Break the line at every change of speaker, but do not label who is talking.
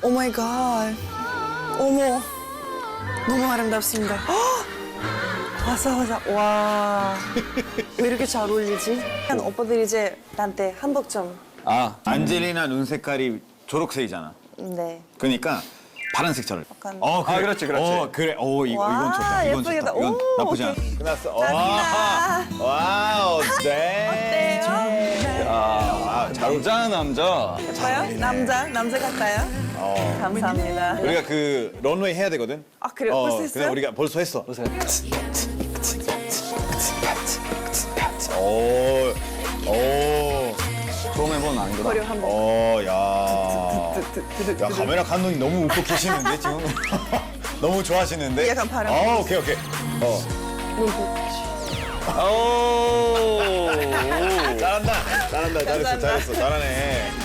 오 마이 갓. 어머. 너무 아름답습니다. 헉! 와사와사. 와. 왜 이렇게 잘 어울리지? 오빠들이 이제 나한테 한복 좀.
아, 안젤리나 눈 색깔이 초록색이잖아.
네.
그러니까 파란색 차를.
약간-
그래.
아, 그렇지, 그렇지.
그래. 이건
와,
좋다. 이건
예쁘겠다.
좋다. 이건
오,
나쁘지 않아.
오케이.
끝났어.
감사합니다.
와우, 네.
어때요?
아,
남자, 남자.
예뻐요? 남자 같아요? 감사합니다.
우리가 그 런웨이 해야 되거든.
아, 그래요? 벌써
그래
했어요?
우리가 벌써 했어. 오.
처음 해보는 아니구나.
머리 한번.
야, 카메라 감독님 너무 웃고 계시는데 지금. 너무 좋아하시는데.
약간 바람.
오케이.
오.
잘한다. 잘했어. 잘하네.